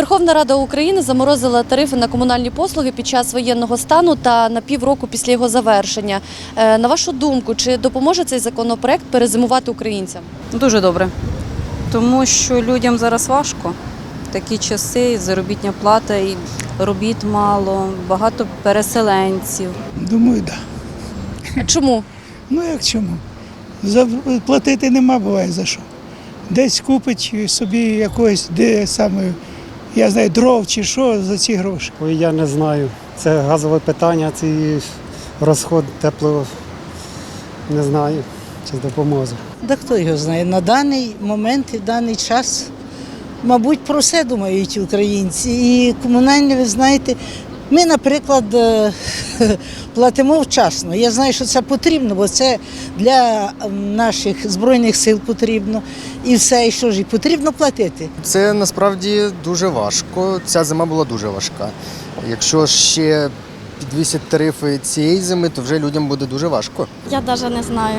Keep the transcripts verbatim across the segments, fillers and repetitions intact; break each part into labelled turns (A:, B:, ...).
A: Верховна Рада України заморозила тарифи на комунальні послуги під час воєнного стану та на півроку після його завершення. Е, На вашу думку, чи допоможе цей законопроект перезимувати українцям?
B: Дуже добре, тому що людям зараз важко. Такі часи, заробітна плата, і робіт мало, багато переселенців.
C: Думаю, так. Да.
A: А чому?
C: Ну як чому? За- Платити нема, буває за що. Десь купить собі якогось, де саме, я знаю, дров чи що за ці гроші.
D: Ой, я не знаю. Це газове питання, цей розход тепло, не знаю, чи допоможе.
E: Да хто його знає, на даний момент і даний час, мабуть, про все думають українці. І комунальні, ви знаєте, ми, наприклад, е, платимо вчасно. Я знаю, що це потрібно, бо це для наших Збройних сил потрібно. І все, і що ж, і потрібно платити.
F: Це насправді дуже важко. Ця зима була дуже важка. Якщо ще підвісять тарифи цієї зими, то вже людям буде дуже важко.
G: Я навіть не знаю.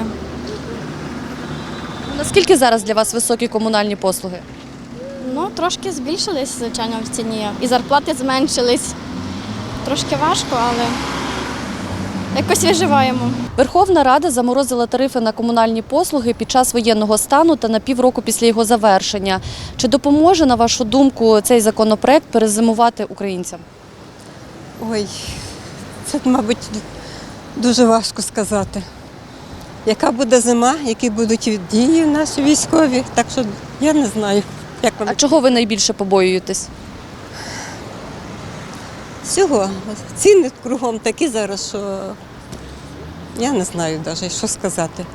A: Наскільки зараз для вас високі комунальні послуги?
G: Ну, трошки збільшились, звичайно, в ціні. І зарплати зменшились. Трошки важко, але якось виживаємо.
A: Верховна Рада заморозила тарифи на комунальні послуги під час воєнного стану та на півроку після його завершення. Чи допоможе, на вашу думку, цей законопроект перезимувати українцям?
H: Ой, це, мабуть, дуже важко сказати. Яка буде зима, які будуть дії наші військові, так що я не знаю, як
A: А
H: воно.
A: чого ви найбільше побоюєтесь?
H: Всього. Ціни кругом такі зараз, що я не знаю навіть, що сказати.